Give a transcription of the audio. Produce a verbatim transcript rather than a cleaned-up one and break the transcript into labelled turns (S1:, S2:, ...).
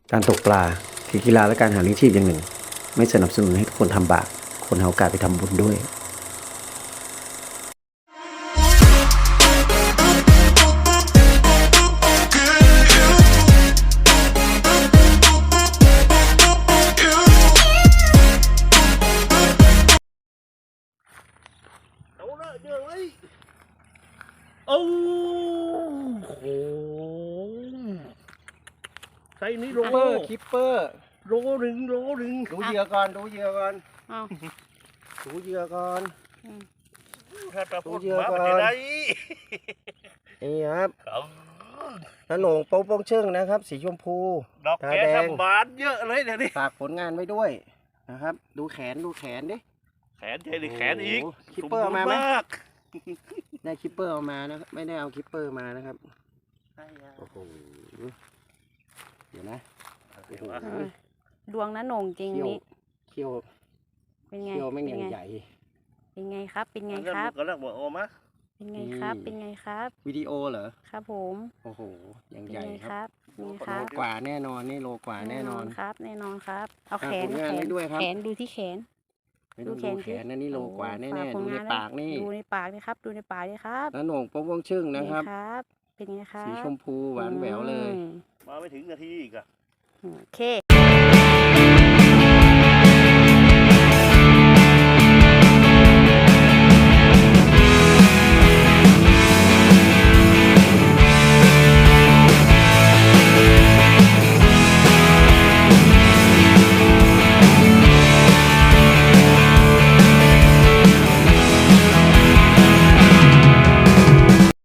S1: การตกปลาคือกีฬาและการหาเลี้ยงชีพอย่างหนึ่งไม่สนับสนุนให้ทุกคนทำบาปคนหาโอกาสไปทำบุญด้วย
S2: เอาละเดี๋ยวไว้โอ้โหใส่นี่โล
S3: คิปเปอร์คิปเปอร์
S2: โลหนึ่งโลหนึ่ง
S3: ดูเหยื่อก่อนดูเหยื่อก่อน
S4: เอา
S3: ดูเหยื่อก่อน
S2: ถ้าตะพูด
S3: ดูเยอะ
S2: มา
S3: ก่อน
S2: เป็นไร
S3: นี่ครับ
S2: เขา
S3: ขนมโป๊งโป้งเชิงนะครับ สีชมพู
S2: ดอก
S3: ตา
S2: แก
S3: แดง
S2: ทำบานเยอะเลยเดี๋ยวนี้
S3: ฝากผลงานไว้ด้วยนะครับ ดูแขนดูแขนดิ
S2: แขนใช่หรือแขนอีก
S3: โอ้โหคิปเปอร์เอามาไหม
S2: สบูรณ์ก
S3: ได้คิปเปอร์เอามานะครับไม่ได้เอาคิปเปอร์มานะครับโอ้โหเดี๋ยวนะโอ้โห
S4: เออดวงนะโหน่งจริง
S3: เขี้ยว
S4: นี่
S3: เขี้ยว
S4: เป็นไง
S3: เขี้ยวแม่ง
S4: เป็
S3: อน ย่าง
S4: ไง
S3: ใหญ่
S4: เป็นไงครับ เป็นไง
S2: งั้น
S4: ครับ
S2: ก็เรียกว่าโอมา
S4: เป็นไงครับ
S3: นี่
S4: เป็นไงครับ
S3: วิดีโอเหรอ
S4: ครับผม
S3: โอ้โหอย่าง
S4: เป็น
S3: ใหญ่
S4: ไง
S3: ค
S4: ครับ รับเป็นไงค
S3: โล
S4: รับ
S3: กว่าแน่นอนนี่โลกว่าแน่นอน
S4: ครับ แน่นอนครับ เอา
S3: ฝาก
S4: แขน
S3: ผลงาน
S4: แข
S3: ไว้
S4: น
S3: ด้วยครับ
S4: แขนดูที่แขน
S3: ไม่ต้อง
S4: ดูแข
S3: ดู
S4: น
S3: แข
S4: สิ
S3: นนะนี่โลกว่าแน่
S4: โอ้
S3: ๆ
S4: ฝ
S3: ดูใน
S4: ผลง
S3: ปากนี่
S4: ดูในปากนี่ครับ ดูในปากนี่ครับ
S3: แล้วโหน่งโป๊งโป้งชึ่งนะครับ
S4: ครับ เป็นไงครับ
S3: สีชมพูหวานแหววเลย
S4: อืม
S2: มาไม่ถึงนาทีอีกอะ
S4: โอเค